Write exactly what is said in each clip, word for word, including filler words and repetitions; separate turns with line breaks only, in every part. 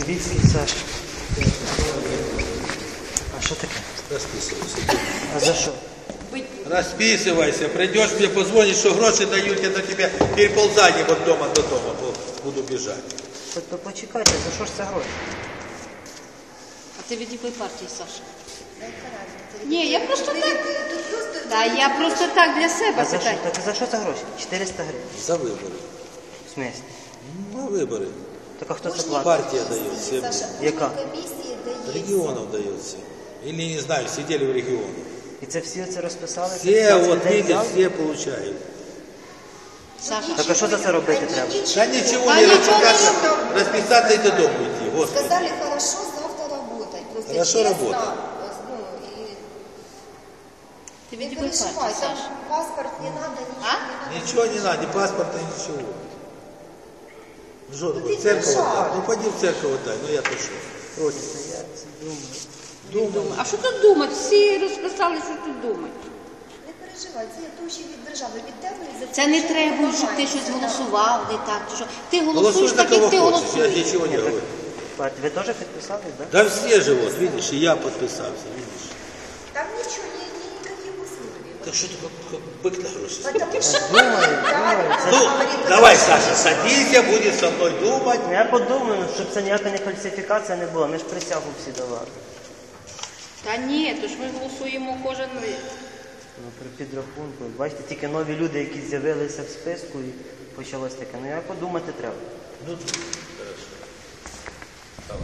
Вербицький Саша. А що таке?
Расписывайся.
А за що?
Расписывайся. Придешь, мне позвонишь, что гроши дают, я на тебя переползание от дома до дома буду бежать.
То почекайте, за що ж це гроші?
А ти від якої партії, Саша? Ні, я просто так. Та я просто так для себе
А за що?
питаю.
Так за що це гроші? чотириста гривень.
За выборы.
В смислі?
На выборы.
Так а хто це платить?
Партия дает всем.
Яка?
Регионов дает всем. Или, не знаю, сидели в регионах.
І це всі це розписали?
Все, вот видишь, все получают.
Саша,
Так а що за це робити треба?
Да ничего
Да
не
ничего не
расписаться, расписаться и до дома идти. Господи.
Сказали, хорошо, завтра работать. Просто
Хорошо
честно,
работать.
ну, и
ти
не
від якої
переживай,
партії,
там
Саша?
паспорт не надо, ничего
А?
не надо.
Ничего не надо, ни паспорта, ничего. Жжет,
Ну,
вот,
ты
церковь
мешай.
отдай. Ну пойди в церковь отдай, ну я то что. Против.
Я це думаю.
Думаю.
А що тут думати? Всі розписали, що тут думати.
Не переживай, це гроші від держави, від тебе. і за
Це не
що
треба,
допомагає.
щоб ти щось голосував, не так. чи що. Ти
Голосуй
голосуєш
на
так,
кого
як ти
хочешь, я
голосуєш.
ничего не говорю.
Бать, ви теж підписались, так?
Да все же вот, видишь, и я подписался, видишь.
Там ничего, ни, ни, никаких условий.
Так что ты как, как бык на гроши?
Потому что
Думаю, думаю. Це
Ну,
ж-
говорит,
давай, Саша, садись, будешь со мной думать.
Ну, я подумаю, щоб це ніяка не фальсифікація не була. Ми ж присягу всі давали.
Та ні, то ж ми голосуємо кожен.
Ну, при підрахунку. Бачите, тільки нові люди, які з'явилися в списку і почалось таке. Ну, я подумати треба.
Ну, хорошо. Давай.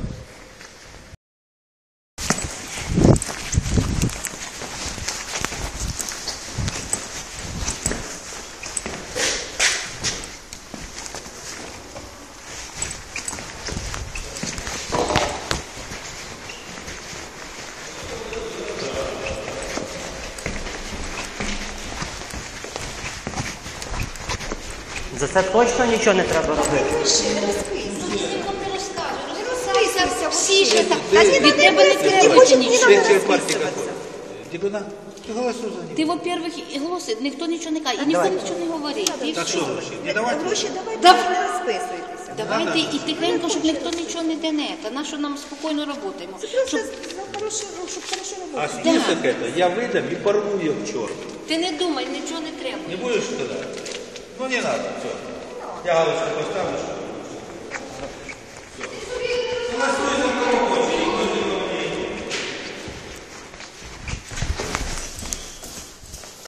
За це точно нічого не треба робити.
Всі ще так.
Ти-
Від
ти-
тебе не требується нічого.
Ты через партии какой? Дебюна? Ты голосуй за него.
Ти, во-первых, і голоси, ніхто нічого не каже, і ніхто нічого не говорить. І
Так
все.
что гроши? Не давай.
гроші давайте,
Да.
не розписуйтеся.
Давайте і тихенько, щоб ніхто нічого не дене. Та на що нам спокійно працюємо.
Просто
Щоб
за хорошу, щоб хорошо
А
работать.
список это я выдам и порву ее к черту.
ти не думай, нічого не треба.
Не будешь сказать? Ну не надо, все. Я галочку поставлю, что